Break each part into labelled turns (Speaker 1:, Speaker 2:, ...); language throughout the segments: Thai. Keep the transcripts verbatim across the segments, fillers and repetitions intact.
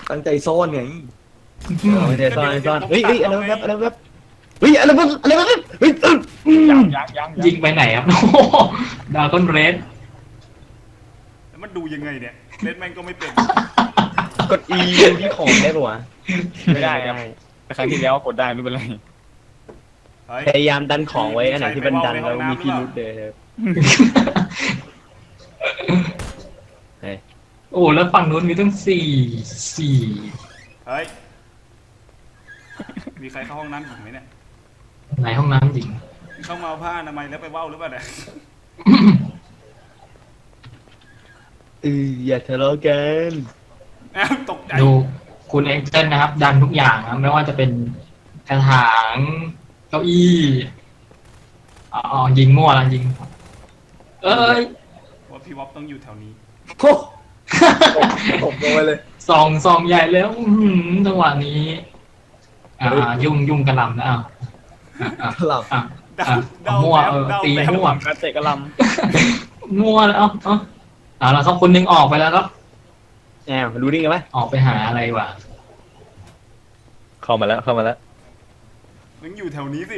Speaker 1: ตั้งใจซ่อนไง
Speaker 2: ไม่ได้ซ่อนซ่อนเฮ้ยเฮ้ยอะไรแบบอะไรแบบเฮ้ยอะไรแบบอะไรแบบเฮ้ย
Speaker 3: ยังยังยัง
Speaker 4: ยิงไปไหนครับโอ้ดาวต้นเรส
Speaker 3: แล้วมันดูยังไงเนี่ยเล่นแม่งก็ไม่เป็น
Speaker 2: กด E ดูที่ของได้ปะวะ
Speaker 5: ไม่ได้ครับแต่ครั้งที่แล้วกดได้ไม่เป็นไร
Speaker 3: เฮ้ย
Speaker 2: พยายามดันของไว้อันไหนที่มันดันแล้วมีพิรุธเลยครับ
Speaker 4: โอ้แล้วฝั่งนู้นมีตั้งสี่สี่
Speaker 3: เฮ้ยมีใครเข้าห้องน้ำหญิงไหมเนี่ย
Speaker 4: ในห้องน้ำจริง
Speaker 3: เข้ามาเอาผ้าอนามัยแล้วไปว่าวหรือเปล่าเนี่ย
Speaker 2: เอออย่าทะเลาะกัน
Speaker 3: อ้าวตกใจ
Speaker 4: ดูคุณเอ็กเซนนะครับ ดันทุกอย่างนะไม่ว่าจะเป็นกระถางเก้าอี้อ๋อยิงมั่วละยิง เอ้ย
Speaker 3: ว่าพี่วอปต้องอยู่แถวนี้
Speaker 1: โอ้ตกลงไปเลย
Speaker 4: ซองซองใหญ่แล้วอื้อหือจังหวะนี้อ่ายุ่งยุ่งกระหลำนะอ้าวอ่ะ
Speaker 1: หลับ
Speaker 4: อ่ะ
Speaker 3: เดา
Speaker 4: อ่ะ
Speaker 3: เดา
Speaker 4: มั่ว
Speaker 3: แบบ
Speaker 4: เออ
Speaker 3: เดา
Speaker 4: ตี
Speaker 3: แบบ
Speaker 4: มั่ว
Speaker 5: การเตะกระล
Speaker 4: มั่วแล้วเอ้าเอ้าเอาละครับคนหนึงออกไปแล้วครับ
Speaker 2: แอมรู้ได้ไงวะ
Speaker 4: ออกไปหาอะไรวะ
Speaker 6: เข้ามาแล้วเข้ามาแล้ว
Speaker 3: มึงอยู่แถวนี้สิ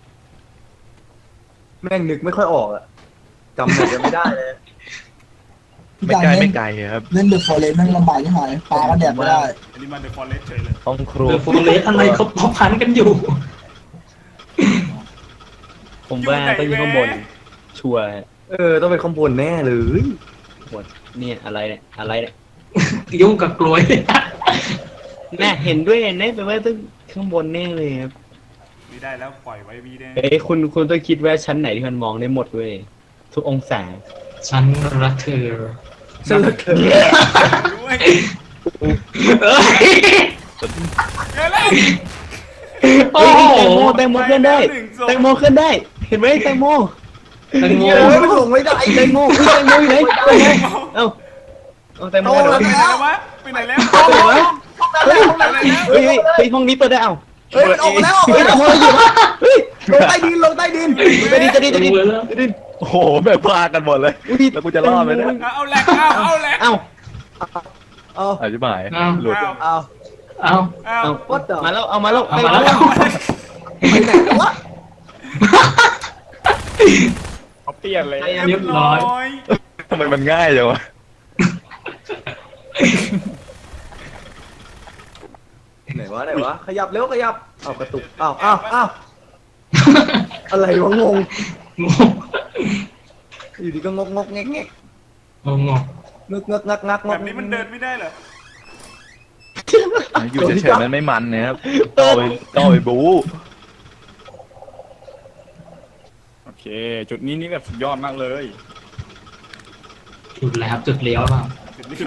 Speaker 1: แม่งนึกไม่ค่อยออกอะจำหน่อยจะไม่ได้เลย
Speaker 6: ไม่ไกลไม่ไกลครับ
Speaker 7: เล่นเดอะฟอเรสต์แม่งลำบากที่หายปลาก็แดกไม่ได้
Speaker 3: อันนี้มาเดอะฟอเรสเฉยเลย
Speaker 6: ห้องครัว
Speaker 4: เดอะโฟเลสอะไรเขาเขาพันกันอยู่
Speaker 2: ผมว่าต้องอยู่ข้างบนชัวร์
Speaker 1: เออต้องเป็นข้างบนแน่เลย
Speaker 2: บนเนี่ยอะไรเนี่ยอะไรเนี่ย
Speaker 4: ยุ่งกับกลวย
Speaker 2: น่าเห็นด้วยแน่แปลว่าต้องข้างบนแน่เลยครับ
Speaker 3: ไม่ได้แล้วปล่อยไว้วีแน่
Speaker 2: เอ้ยคุณคุณต้องคิดว่าชั้นไหนที่มันมองได้หมดเว้ยทุกองศา
Speaker 4: ฉันรักเธอ
Speaker 1: ฉันรักเธอ
Speaker 3: ด้วย
Speaker 4: เอ้ย
Speaker 3: เดี๋ยวแล้ว
Speaker 4: โอ้
Speaker 2: เฮ้ย
Speaker 4: โห
Speaker 2: แตงโมแตงโมเคลื่อนได้
Speaker 3: ไปแล้วหนึ่งศพ
Speaker 2: แตงโมเคลื่อนได้ เห็นไหมแตงโม
Speaker 4: แตงโม
Speaker 1: โอ้ยมันลงไม่ได้
Speaker 2: แตงโมอุ๊ยแตงโมอยู่ไหนแตงโมเอ้าเอาแตงโม
Speaker 1: โต
Speaker 2: เดี๋ยว
Speaker 1: แล้ว
Speaker 3: ไปไหนแล้ววะไปไหนแล้ว
Speaker 2: เดี๋ยวนะ
Speaker 1: เฮ้ยห้องนั้นแล้ว
Speaker 2: เฮ้ยเฮ้ยเฮ้ยห้องนี้เปิดได้เอ้า
Speaker 1: เฮ้ยมันออกมาแล้วออก
Speaker 2: เฮ้ย
Speaker 1: มา
Speaker 2: แต
Speaker 1: แล้ว
Speaker 2: งโมอยู่วะเฮ้ย
Speaker 1: ลงใต้ดินลงใต้ดิน
Speaker 2: จะดินจะดินจะดิน
Speaker 4: รู้แล้ว
Speaker 2: จะดิน
Speaker 6: โอ้โหแบบพากันหมดเลย
Speaker 2: อุ๊ย
Speaker 6: แล้วกูจะรอดไหมเนี่ย
Speaker 3: เอาเอาแหลกเอาเอาแหลก
Speaker 2: เอ้า
Speaker 1: เอา
Speaker 6: อธิบาย
Speaker 4: เอา
Speaker 6: หลุด
Speaker 3: เอา
Speaker 1: เอา
Speaker 4: เอา
Speaker 3: เอา
Speaker 2: เอ้า
Speaker 1: What the
Speaker 2: มาแล้วเอามาแล้ว
Speaker 4: เอามาแล้ว
Speaker 1: ไปไหนแล้ววะ
Speaker 5: ำเขาเปลี่ยนเลย
Speaker 4: เรียบร้อย
Speaker 6: ทำไมมันง่ายจังวะ
Speaker 1: ไหนวะไหนวะขยับเร็วขยับเอากระตุกอ้าวอ้าวอ้าวอะไรวะงง
Speaker 4: งง
Speaker 1: อยู่ดีก็งกงกแงกแงก
Speaker 4: งงง
Speaker 1: งึกงึกงักงักง
Speaker 3: แบ
Speaker 1: ก
Speaker 3: บนี้มันเดินไม่ได้เหรอ
Speaker 6: อยู่เฉยๆมันไม่มันนะครับต้องเอาไปต้องเอาไปบู๊
Speaker 5: โอเค จุดนี้นี่แบบสุดยอดมากเลย
Speaker 4: จุดแล้วครับจุดเลี้ยวเปล่า
Speaker 3: จุดนี้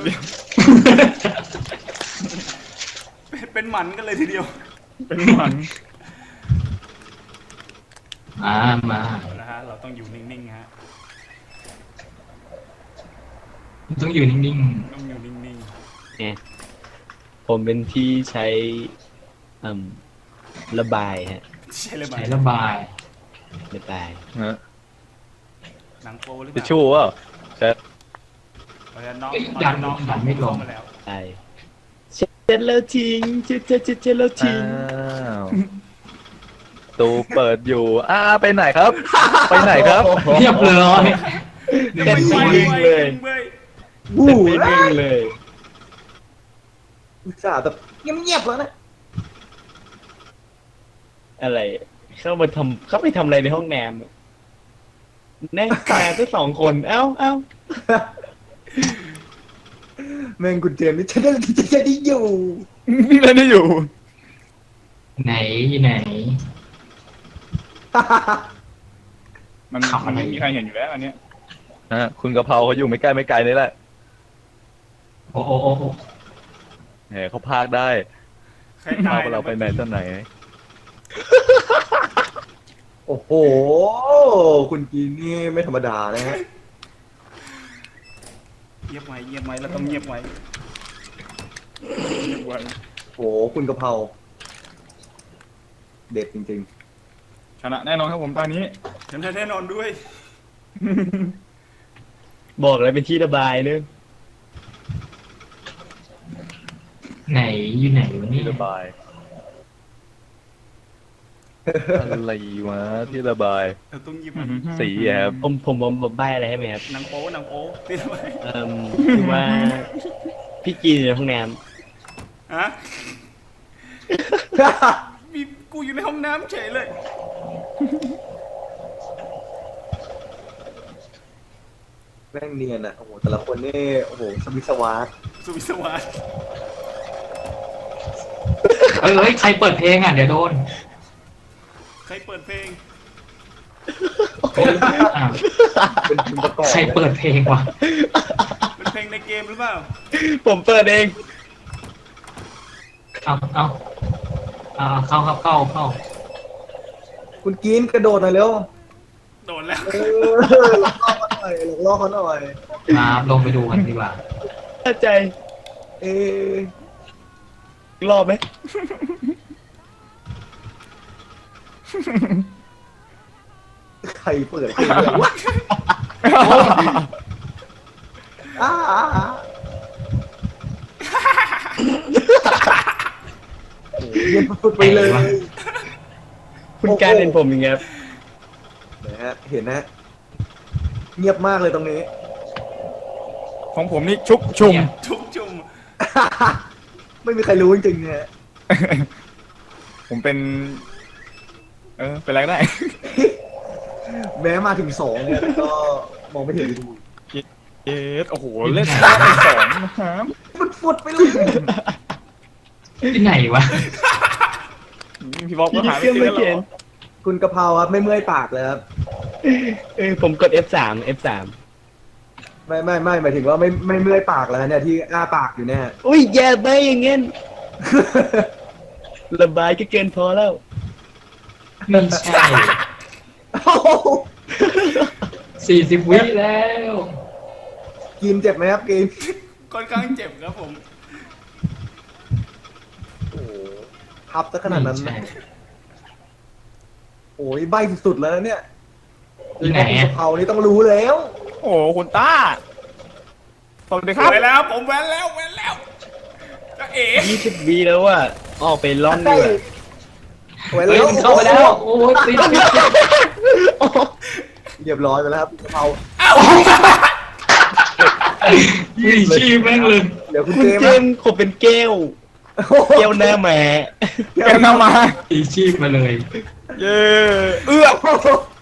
Speaker 3: เป็นเป็นหมันกันเลยทีเดียว
Speaker 5: เป็นมัน
Speaker 4: อ่ามา
Speaker 3: นะฮะเราต้องอยู่นิ่งๆฮะ
Speaker 4: ต้องอยู่นิ่ง
Speaker 3: ต้องอยู่นิ่ง
Speaker 2: เนี่ยผมเป็นที่ใช้อืมระบายฮะ
Speaker 3: ๆใช่เลย
Speaker 4: ๆ
Speaker 3: ไหม
Speaker 4: ใช้ระบาย
Speaker 2: ระบาย
Speaker 6: ฮะ
Speaker 3: หนังโปหรือเป
Speaker 6: ทิช
Speaker 3: ล่า
Speaker 6: ชู่เปล่าใช่
Speaker 3: เอาละน้อง
Speaker 4: ดันดันไม่ลง
Speaker 3: มาแล้ว
Speaker 2: ใช่เช็ดแล้วทิ้งเช็ดเช็ดเช็ดเช็ดแล้วทิ้ง
Speaker 6: อ้าวตูเปิดอยู่อ้าไปไหนครับ ไปไหนครับ
Speaker 4: เรียบร้อยหนึ่ง
Speaker 2: เต้น
Speaker 4: ค
Speaker 2: ไม่
Speaker 4: น
Speaker 2: นิ่งเลย
Speaker 3: เว้ย
Speaker 1: วู้
Speaker 2: เต้นไม่นิ่งเลย
Speaker 1: อุตส่าห์แบบเงียบๆแล้วนะ
Speaker 2: อะไร เข้ามาทำเข้าไปทำอะไรในห้องน้ำแน่ตายทั้งสองคนเอ้าเอ้า
Speaker 1: แม่งคุณเจมส์นี่ฉันได้ฉันได้อยู่
Speaker 5: นี่เล่นได้อยู่
Speaker 4: ไหนไหน
Speaker 5: มัน
Speaker 4: ขำอะไร
Speaker 5: ไม่มีใครเห็นอยู่แล้วอันเนี้ย
Speaker 6: ฮะคุณกะเพราเขาอยู่ไม่ใกล้ไม่ไกลนี่แหละ
Speaker 4: โอ้โอ้โอ้โอ้
Speaker 6: แหมเขาพากได้
Speaker 3: ใครตาย
Speaker 6: พาเราไปไหนตอนไหน
Speaker 1: โอ้โหคุณกีนนี่ไม่ธรรมดานะฮะ
Speaker 3: เงียบไว้เงียบไว้เราต้องเงียบไว้
Speaker 5: เรียกว่า
Speaker 1: โอ้โหคุณกะเพราเด็ดจริง
Speaker 5: ชนะแน่นอนครับผมตอนนี้
Speaker 3: ฉันแน่นอนด้วย
Speaker 2: บอกเลยเป็นที่ระบายเนึง
Speaker 4: ไหนอยู่ไหนวะ
Speaker 6: ที่
Speaker 4: เนี่ย
Speaker 6: ระบาย อะไรวะที่ระบาย
Speaker 3: เราต้องหยิบมัน
Speaker 6: สีอะครับ
Speaker 2: ผมผมผมผมใบอะไรให้ไหมครับ
Speaker 3: หนังโป๊หนังโป๊ติดไว้
Speaker 2: เอ่มคือว่าพี่กินอยู่ในห้องน้
Speaker 3: ฮะมีกูอยู่ในห้องน้ำเฉยเลย
Speaker 1: แม่งเนียนอ่ะโอ้โหแต่ละคนนี่โอ้โหสวิสวาร์
Speaker 3: สุวิสวาส
Speaker 4: เอ้ยเอ้ยใครเปิดเพลงอ่ะเดี๋ยวโดน
Speaker 3: ใครเปิดเพลง
Speaker 4: อ้าว
Speaker 1: เป็นคุณประกอบ
Speaker 4: ใครเปิดเพลงวะ
Speaker 3: เป็นเพลงในเกมหรือเปล่า
Speaker 2: ำผมเปิดเอง
Speaker 4: เอาเอาเอาเข้าเข้าเข้าเข้า
Speaker 1: คุณกินกระโดดหน่อยเร็ว
Speaker 3: โดนแล้ว
Speaker 1: เออหลอกล่อเขาหน่อยหลอกล่อเขาหน่อย
Speaker 4: มาลงไปดูกันดีกว่า
Speaker 2: เข้าใจ
Speaker 1: เอ๊ะ
Speaker 2: รอบไหม
Speaker 1: ใครเปิดเพลงเนี่ยวะอ้าอ้าอ้าโอ้โหเย็นสุดๆไปเลย
Speaker 2: คุณการเห็นผมอย่างเงี้ยครับ
Speaker 1: นะฮะเห็นนะฮะเงียบมากเลยตรงนี้
Speaker 5: ของผมนี่ชุกชุม
Speaker 3: ชุบจุ่ม
Speaker 1: ไม่มีใครรู้จริงๆเนี่ย
Speaker 5: ผมเป็น เออ เป็นอะไรก็ได้
Speaker 1: แม้มาถึงสองเนี่ยก็มองไม่เห็น
Speaker 5: เอ๊ะโอ้โห เล่นได้ไปสองนะครับ
Speaker 1: ฟุดๆไปเลย
Speaker 4: ที่ไหนวะ
Speaker 5: พี่บอก
Speaker 2: พี่
Speaker 5: ว่าหา
Speaker 2: เค
Speaker 5: ไม่
Speaker 2: รื่อง
Speaker 5: เจ
Speaker 2: ไม่
Speaker 5: อ
Speaker 2: เขียน
Speaker 5: แล้ว
Speaker 1: คุณกะเพราครับไม่เมื่อยปากเลยครับ
Speaker 2: เออผมกด เอฟ สาม เอฟ สาม
Speaker 1: ไม่ไม่ไม่หมายถึงว่าไม่ไม่เมื่อยปากแล้วเนี่ยที่อ้าปากอยู่เนี่ย
Speaker 2: อุ้ยอย่าไปอย่างเงี้ยระบายก็เกินพอแล้ว
Speaker 4: ไม่ใช่
Speaker 1: โอ้โห
Speaker 4: สี่สิบวิแล้ว
Speaker 1: กินเจ็บไหมครับกิน
Speaker 3: ค่อนข้างเจ็บครับผม
Speaker 1: โอ้โหทับซะขนาดนั้น
Speaker 4: ไม่
Speaker 1: นะ
Speaker 4: ใช่
Speaker 1: โอ้ยใบสุดๆแล้วนะเนี่ย
Speaker 4: ที่ไหน
Speaker 1: คุณ
Speaker 4: อะ
Speaker 1: กะเพรานี่ต้องรู้แล้ว
Speaker 5: โอ้โหคุณต้า สวัสดีครับ
Speaker 3: ไปแล้วผมแว้นแล้วแว้นแล้วจะเอ๋
Speaker 2: ยี่สิบวีแล้วว่าออกไปล่อนดีกว่า
Speaker 1: ไว้
Speaker 4: เฮ้ย
Speaker 1: แล้ว
Speaker 4: มันเข้าไปแล้ว โอ้ยติดติดติด
Speaker 1: เรียบร้อยไปแล้วครับกะเพรา
Speaker 4: นี่ชีพแม่งเลย
Speaker 1: เดี๋ยวคุณ
Speaker 2: คุณ
Speaker 1: เจม
Speaker 2: เจ
Speaker 1: ส์
Speaker 2: มส์ผมเป็นแก้ว
Speaker 1: โอ้โห
Speaker 2: แก้วหน้าแหม่
Speaker 5: แกนำมา
Speaker 4: ตีชีพมาเลย
Speaker 5: เย้เอื้อ
Speaker 1: โอ้โห